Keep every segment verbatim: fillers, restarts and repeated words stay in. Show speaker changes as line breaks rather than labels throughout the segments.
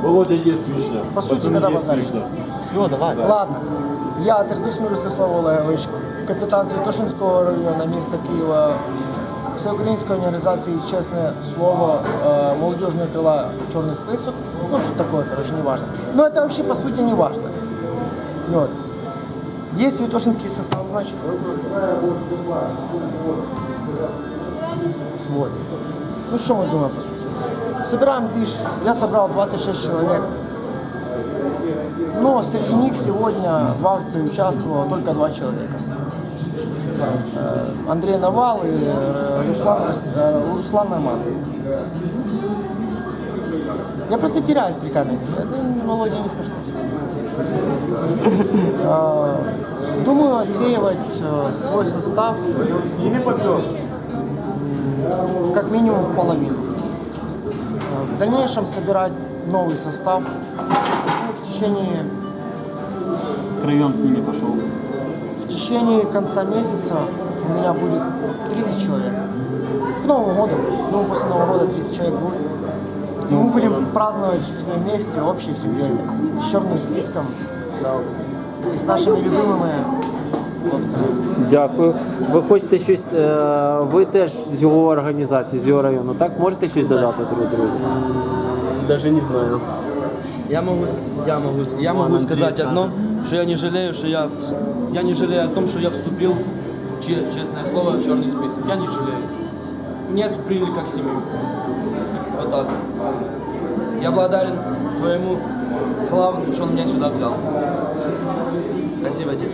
Володя, есть вишня.
По сути,
Пацаны,
когда
есть
базарить?
вишня.
Все, давай.
Ладно. Я Третичний Ростислав Олегович, капітан Святошинського району міста Києва, Всеукраїнської організації «Честное слово», э, молодежного крыла «Черный список». Ну, что такое, короче, не важно. Но это вообще, по сути, не важно. Вот. Есть святошинский состав, значит. Вот. Ну, что мы думаем, по сути? Собираем движ. Я собрал двадцать шесть человек. Но среди них сегодня в акции участвовало только два человека. Э, Андрей Навал и э, Руслан, э, Руслан Найман. Я просто теряюсь при камере. Это, Володя, не смешно. Э, Думаю отсеивать э, свой состав как минимум в половину. Э, В дальнейшем собирать новый состав. Ну, в течение
Втроем с ними пошел.
В течение конца месяца у меня будет тридцать человек. К Новому году, ну после Нового года тридцать человек будет. И мы будем праздновать все вместе, общей семьей, с черным списком и с нашими любимыми хлопцями.
Дякую. Ви хочете щось, е, ви теж з його організації, з його району, так? Можете щось додати, друзі? друзі?
Даже не знаю. Я могу, я могу, я могу сказать одно, что я не жалею, что я, я не жалею о том, что я вступил, че- честное слово, в черный список. Я не жалею. Меня тут приняли как семью. Вот так скажу. Я благодарен своему главному, что он меня сюда взял. Спасибо тебе.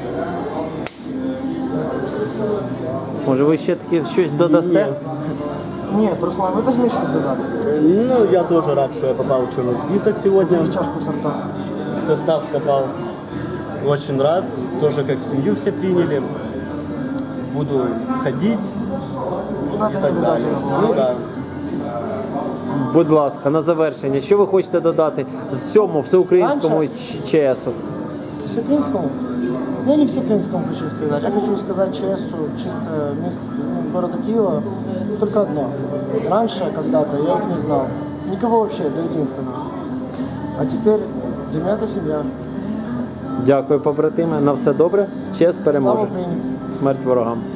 Може, ви ще таки щось додасте?
Нет, Руслан, вы должны еще додать.
Ну, я тоже рад, что я попал в черный список сегодня.
Чашку сорта.
В состав попал. Очень рад. Тоже как в семью все приняли. Буду ходить
Надо
и так далее. Ну да.
Будь ласка, на завершення, що ви хочете додати з цьому всеукраїнському
Раніше?
Ч- ЧСу?
Всеукраинскому? Я не Всеукраинскому хочу сказать. Я хочу сказать ЧСу, чисто мест, ну, города Киева, только одно. Раньше, когда-то, я их не знал. Никого вообще, до единственного. А теперь для меня это семья.
Дякую, побратими. На все добре. ЧС переможе.
Слава Україні!
Смерть ворогам.